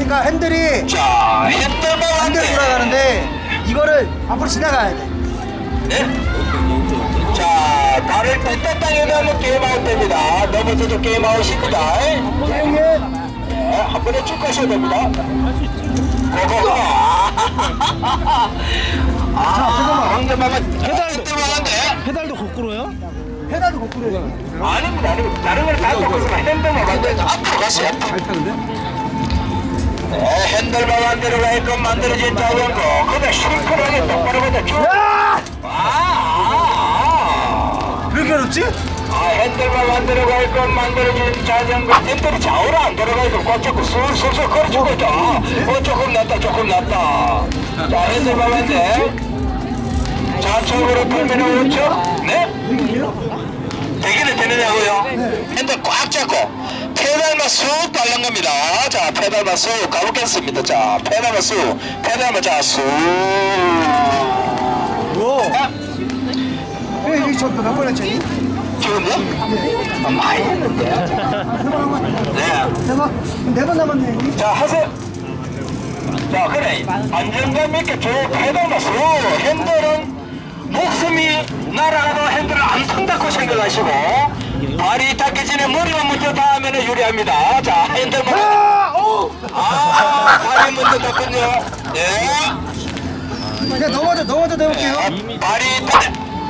돌아가니까 핸들이 자, 핸들만 반대로 돌아가는데 이거를 앞으로 지나가야 돼. 네? 자, 발을 뺐다 땅에 넣으면 게임아웃 됩니다. 넘어져도 게임아웃입니다. 예. 네, 한 번에 쭉 가셔야 됩니다. 고고고. 황제마마 핸들만한데? 페달도 거꾸로요? 페달도 거꾸로 해. 아닙니다, 아닙니다. 다른 걸 다 보고 있으면 핸들만 만들어서 앞으로 가세요. 잘 타는데? 네, 핸들만 만들어 가게끔 만들어진 자전거. 그냥 심플하게 똑바로 그냥 쭉. 왜 이렇게 어렵지? 핸들만 만들어 가게끔 만들어진 자전거. 핸들이 좌우로 안 돌아가고 꽉 잡고 슬슬슬 걸어주고 있다. 조금 낫다, 조금 낫다. 자, 핸들만 만들. 좌측으로 돌면 오른쪽. 네? 되기는 되느냐고요? 핸들 꽉 잡고 페달만 쑥 달는 겁니다. 자, 페달만 쑥 가보겠습니다. 자, 페달만 쑥, 페달만 자 쑥. 오. 왜 이게 저몇 번 했지? 지금요? 많이 했는데. 네. 네번 남았네. 자, 하세요. 자, 그래. 안정감 있게 쭉 페달만 쑥. 핸들은 목숨이 날아가도 핸들을 안 탄다고 생각하시고 발이 닿기 전에 머리만 먼저 닿으면 유리합니다. 자, 핸들만. 발이 먼저 닿군요. 네. 그냥 넘어져 내볼게요. 발이 닿.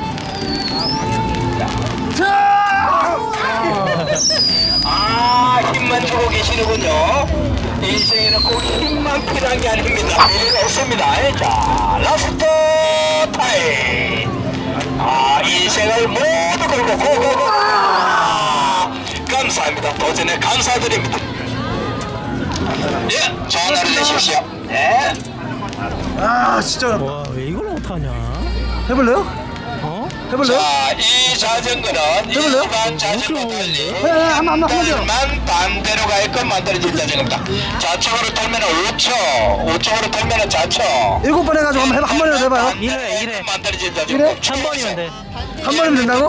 힘만 주고 계시는군요. 인생에는 꼭 힘만 필요한 게 아닙니다. 필요 없습니다. 자, 라스트 타임. 인생을 모두 걸고 고고고. 감사합니다. 도전에 감사드립니다. 예, 좋은 하루 되십시오. 네. 진짜 어렵다. 와, 왜 이걸 못하냐? 해볼래요? 어? 해볼래요? 자, 이 자전거는 해볼래요? 일반 자전거 달리 한번 해보세요. 핸들만 반대로 가게끔 만들어진 자전거입니다. 좌측으로 돌면 우측, 우측으로 돌면 좌측. 7번 해가지고 한 번이라도 해봐요. 이래. 만들어진 자전거. 한 번이면 돼. 한 번이면 된다고?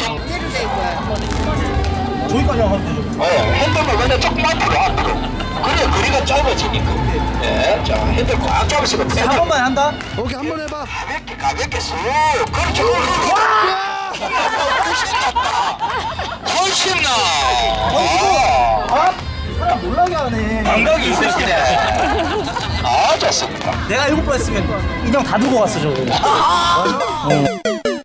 저기까지 하면 되죠. 핸들만 그냥 조금만 앞으로 앞으로. 그래, 거리가 짧아지니까. 네, 자, 핸들 꽉 잡으시고 한 번만 한다? 오케이, 한 번 해봐. 가볍게 쑥. 그렇죠. 훨씬 낫다. 훨씬 나. 사람 놀라게 하네. 감각이 있으시네. 좋습니다. 내가 7번 했으면 인형 다 두고 갔어, 저거.